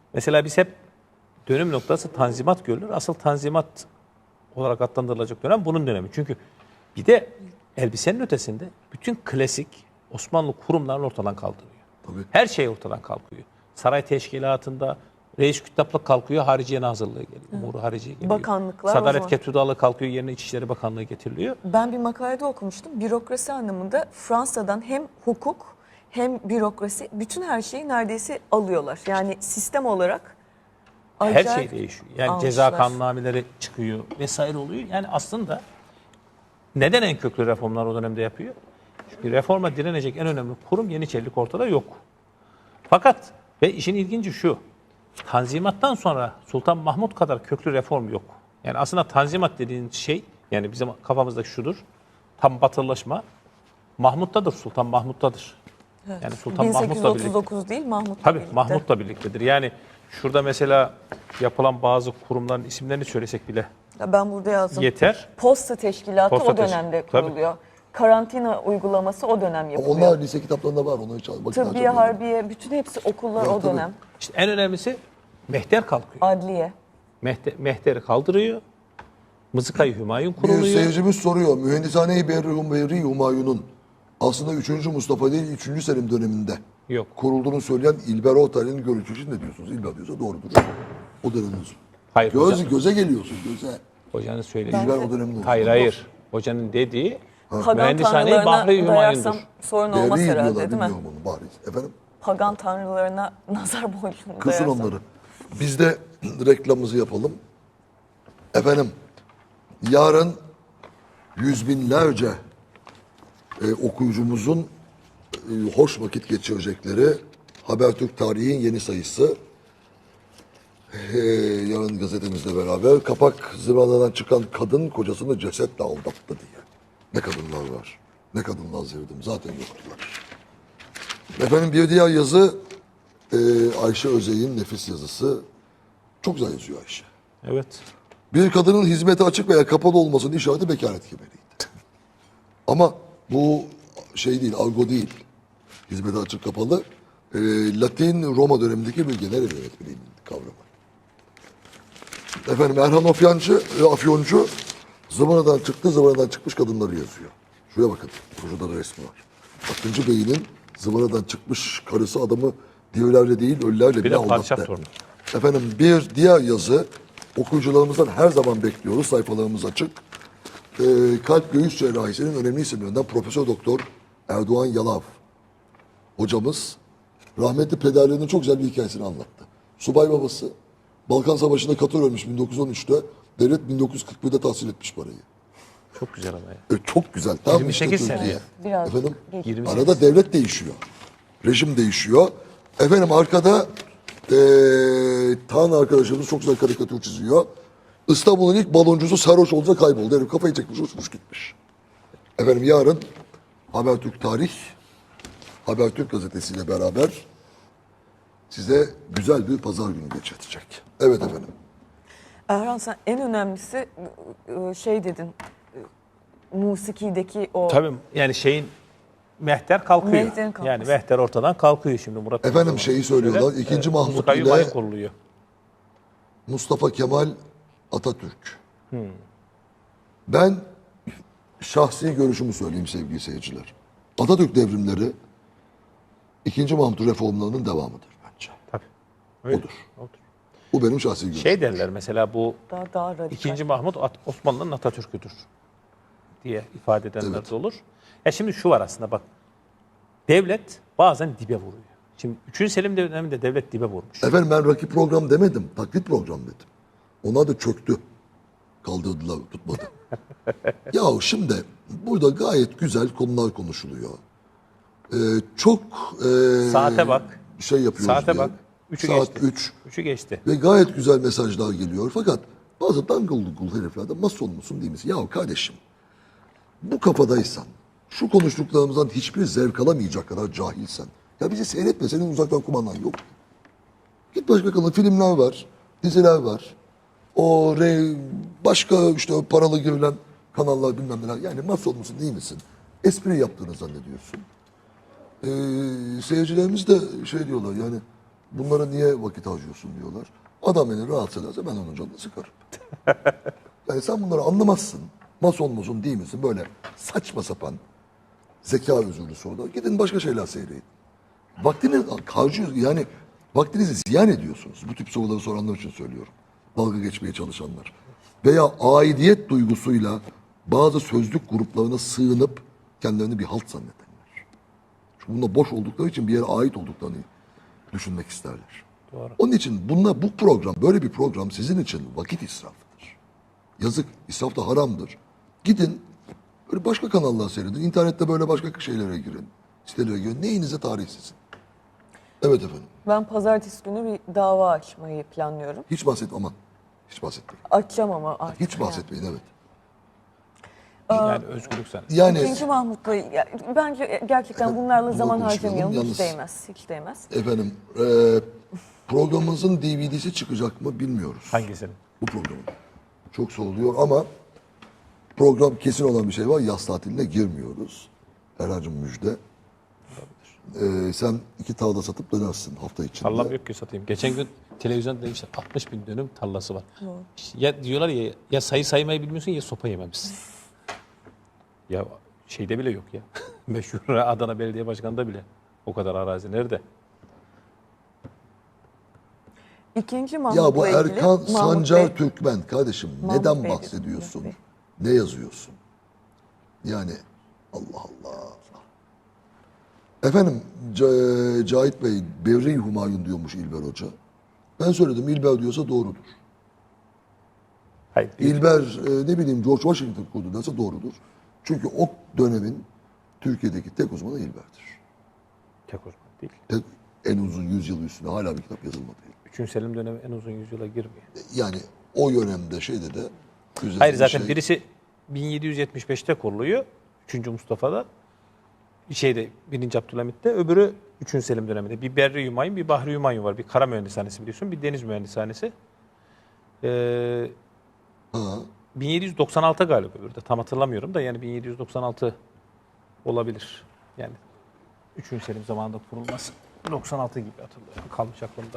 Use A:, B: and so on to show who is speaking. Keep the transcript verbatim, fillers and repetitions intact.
A: Mesela biz hep dönüm noktası Tanzimat görülür. Asıl Tanzimat olarak adlandırılacak dönem bunun dönemi. Çünkü bir de elbisenin ötesinde bütün klasik Osmanlı kurumlarını ortadan kaldırıyor.
B: Tabii.
A: Her şey ortadan kalkıyor. Saray teşkilatında reis kütaplık kalkıyor, Hariciye Nazırlığı geliyor. Umuru Hariciye geliyor.
C: Bakanlıklar o
A: Sadaret
C: zaman.
A: Ketudalı kalkıyor, yerine İçişleri Bakanlığı getiriliyor.
C: Ben bir makalede okumuştum. Bürokrasi anlamında Fransa'dan hem hukuk hem bürokrasi bütün her şeyi neredeyse alıyorlar. Yani sistem olarak
A: Her
C: acayip
A: şey değişiyor. Yani
C: almışlar.
A: ceza kanunnameleri çıkıyor vesaire oluyor. Yani aslında neden en köklü reformlar o dönemde yapıyor? Çünkü reforma direnecek en önemli kurum Yeniçerilik ortada yok. Fakat ve işin ilginci şu. Tanzimattan sonra Sultan Mahmut kadar köklü reform yok. Yani aslında Tanzimat dediğin şey, yani bizim kafamızdaki şudur. Tam batılılaşma Mahmut'tadır, Sultan Mahmut'tadır. Yani Sultan
C: bin sekiz yüz
A: Mahmut'la
C: otuz
A: birlikte.
C: dokuz değil Mahmut'la
A: Tabii
C: birlikte.
A: Mahmut'la birliktedir. Yani şurada mesela yapılan bazı kurumların isimlerini söylesek bile
C: Ya ben burada yazdım.
A: yeter.
C: Posta teşkilatı
A: Posta
C: o dönemde
A: teşkil-
C: kuruluyor. Karantina uygulaması o dönem
B: Ama
C: yapılıyor.
B: onlar lise kitaplarında var. Onları çal. Bakın
C: Tıbbiye, harbiye, bütün hepsi okullar
B: Ya,
C: o
B: tabii.
C: dönem.
A: İşte en önemlisi Mehter kalkıyor.
C: Adliye.
A: Mehter, Mehter'i kaldırıyor. Mızıkayı Hümayun
B: Bir
A: kuruluyor.
B: seyircimiz soruyor. Mühendishane-i Berri Berri Humayun'un aslında üçüncü Mustafa değil üçüncü Selim döneminde
A: Yok.
B: kurulduğunu söyleyen İlber Ortaylı'nın görüşü için ne diyorsunuz? İlber diyorsa doğrudur. O dönemin.
A: Hayır
B: Göz,
A: hocam.
B: göze geliyorsun göze.
A: Hocanın söylediği.
B: İlber o dönemin.
A: Hayır hayır. Hocanın dediği
C: Pagan
A: mühendishane-i
C: tanrılarına
A: Bahri
C: dayarsam
A: Hümayun'dur.
C: sorun olmaz
B: Berri
C: herhalde
B: diyorlar
C: değil mi?
B: bilmiyorum onu bariz. Efendim?
C: Pagan tanrılarına nazar boyunca
B: Kısın
C: dayarsam.
B: onları. Biz de reklamımızı yapalım. Efendim, yarın yüz binlerce e, okuyucumuzun e, hoş vakit geçirecekleri Habertürk Tarih'in yeni sayısı. E, yarın gazetemizle beraber kapak zıvanadan çıkan kadın kocasını cesetle aldattı diye. Ne kadınlar var. Ne kadınlar sevdim. Zaten yoktular. Efendim bir diğer yazı e, Ayşe Özey'in nefis yazısı. Çok güzel yazıyor Ayşe.
A: Evet.
B: Bir kadının hizmete açık veya kapalı olmasının işareti bekaret kemeriydi. Ama bu şey değil, argo değil. Hizmete açık kapalı. E, Latin Roma dönemindeki bir genel ev yönetmeliğinin kavramı. Efendim Erhan Afyancı, e, Afyoncu zıvanadan çıktı, zıvanadan çıkmış kadınları yazıyor. Şuraya bakın, şurada da resmi var. Akıncı Bey'in zıvanadan çıkmış karısı adamı dirilerle değil, ölülerle
A: Bir
B: bile
A: de padişah
B: aldattı.
A: torunu.
B: Efendim bir diğer yazı okuyucularımızdan her zaman bekliyoruz. Sayfalarımız açık. Ee, kalp göğüs cerrahisinin önemli isimlerinden Profesör Doktor Erdoğan Yalav hocamız rahmetli pederlerinin çok güzel bir hikayesini anlattı. Subay babası Balkan Savaşı'nda Katar ölmüş bin dokuz yüz on üçte. Devlet bin dokuz yüz kırk birde tahsil etmiş parayı.
A: Çok güzel ama ya.
B: E, çok güzel. Tam
A: yirmi sekiz
B: işte
A: sene
B: Türkiye.
A: ya.
C: Biraz
B: Efendim?
C: geç.
A: yirmi sekiz.
B: Arada devlet değişiyor. Rejim değişiyor. Efendim arkada eee Tan arkadaşımız çok güzel karikatür çiziyor. İstanbul'un ilk baloncusu sarhoş olunca kayboldu. Herif kafayı çekmiş, uçmuş gitmiş. Efendim yarın Habertürk Tarih, Habertürk gazetesiyle beraber size güzel bir pazar günü geçirtecek. Evet efendim.
C: Erhan sen en önemlisi ıı, şey dedin. ıı, Musiki'deki o
A: Tabii yani şeyin Mehter kalkıyor.
C: Mehter'in kalkması.
A: Yani Mehter ortadan kalkıyor şimdi Murat.
B: Efendim şeyi söylüyorlar.
A: Şöyle,
B: İkinci
A: e,
B: Mahmut
A: Mızıkayı
B: ile
A: Hümayun kuruluyor.
B: Mustafa Kemal Atatürk. Ben şahsi görüşümü söyleyeyim sevgili seyirciler. Atatürk devrimleri ikinci Mahmut reformlarının devamıdır bence.
A: Tabii. Öyle.
B: Odur.
A: Odur.
B: Bu benim şahsi görüşüm.
A: Şey derler mesela bu
C: daha, daha radikal.
A: İkinci Mahmut At- Osmanlı'nın Atatürk'üdür diye ifade edenler
B: Evet.
A: de olur. Ya şimdi şu var aslında bak. Devlet bazen dibe vuruyor. Şimdi üçüncü Selim döneminde devlet dibe vurmuş.
B: Efendim ben rakip program demedim. Taklit program dedim. Onlar da çöktü. Kaldırdılar, tutmadı. Ya şimdi burada gayet güzel konular konuşuluyor. Ee, çok ee,
A: Saate bak.
B: şey yapıyoruz
A: Saate
B: diye.
A: bak. Üçü
B: Saat
A: geçti.
B: üç.
A: Üçü geçti.
B: Ve gayet güzel mesajlar geliyor. Fakat bazı dangıl dungul heriflerden mason musun değil misin? Ya kardeşim bu kafadaysan, şu konuştuklarımızdan hiçbir zevk alamayacak kadar cahilsen, ya bizi seyretme, senin uzaktan kumandan yok. Git başka kanal, filmler var, diziler var. O re, başka işte o paralı girilen kanallar bilmem neler. Yani mason musun değil misin? Espri yaptığını zannediyorsun. Ee, seyircilerimiz de şey diyorlar yani Bunlara niye vakit harcıyorsun diyorlar. Adam beni rahatsız ederse ben onun canını sıkarım. Yani sen bunları anlamazsın. Mason musun değil misin? Böyle saçma sapan zeka özürlü sorular. Gidin başka şeyler seyredin. Vaktini harcıyorsunuz. Yani vaktinizi ziyan ediyorsunuz. Bu tip soruları soranlar için söylüyorum. Dalga geçmeye çalışanlar. Veya aidiyet duygusuyla bazı sözlük gruplarına sığınıp kendilerini bir halt zannedenler. Çünkü bunda boş oldukları için bir yere ait olduklarını düşünmek isterler.
A: Doğru.
B: Onun için bunlar, bu program, böyle bir program sizin için vakit israfıdır. Yazık, israf da haramdır. Gidin, böyle başka kanallar seyredin. İnternette böyle başka şeylere girin. Sitelere girin. Neyinize tarih sizin. Evet efendim.
C: Ben pazartesi günü bir dava açmayı planlıyorum.
B: Hiç bahset aman. Hiç bahsetmeyin.
C: Açacağım ama artık.
B: Hiç bahsetmeyin evet.
A: Yani özgürlük sen.
B: Yani
C: İkinci Mahmut Bey, ya, bence gerçekten bunlarla
B: bunu
C: zaman
B: konuşmayalım.
C: harcamayalım.
B: Yalnız-
C: Hiç değmez. Hiç değmez.
B: efendim e, programımızın D V D'si çıkacak mı bilmiyoruz.
A: Hangisini?
B: Bu programın. Çok soruluyor ama program kesin olan bir şey var. Yaz tatiline girmiyoruz. Erhan'cığım müjde. Ee, sen iki tavla satıp dönersin hafta içinde.
A: Tarlam yok ki satayım. Geçen gün televizyonda demişler altmış bin dönüm tarlası var. Ya diyorlar ya, ya sayı saymayı bilmiyorsun ya sopa yememişsin. Ya şeyde bile yok ya. Meşhur Adana Belediye Başkanı'nda bile o kadar arazi nerede?
C: İkinci Mahmut'la
B: Ya bu
C: ilgili
B: Erkan
C: Mahmut
B: Sancar
C: Bey-
B: Türkmen kardeşim
C: Mahmut
B: neden
C: Bey
B: bahsediyorsun?
C: diyorum,
B: Ne yazıyorsun? Yani Allah Allah. Efendim C- Cahit Bey Bevri Humayun diyormuş İlber Hoca. Ben söyledim İlber diyorsa doğrudur.
A: Hayır.
B: İlber e, ne bileyim George Washington kurdu derse doğrudur. Çünkü o dönemin Türkiye'deki tek uzmanı İlber'dir.
A: Tek uzman değil.
B: Tek, en uzun yüzyıl üstüne hala bir kitap yazılmadı.
A: Üçüncü Selim dönemi en uzun yüzyıla girmiyor.
B: Yani o dönemde şeyde de güzel
A: Hayır
B: bir
A: zaten
B: şey-
A: birisi bin yedi yüz yetmiş beşte kuruluyor. üçüncü Mustafa'da. Şeyde birinci Abdülhamit'te. Öbürü üçüncü Selim döneminde. Bir Berri Hümayun, bir Bahri Hümayun var. Bir kara mühendishanesi biliyorsun. Bir deniz mühendishanesi. Ee,
B: Ha.
A: bin yedi yüz doksan altı galiba öbürü de. Tam hatırlamıyorum da yani bin yedi yüz doksan altı olabilir. Yani üçüncü Selim zamanında kurulması. doksan altı gibi hatırlıyorum. Kalmış aklımda.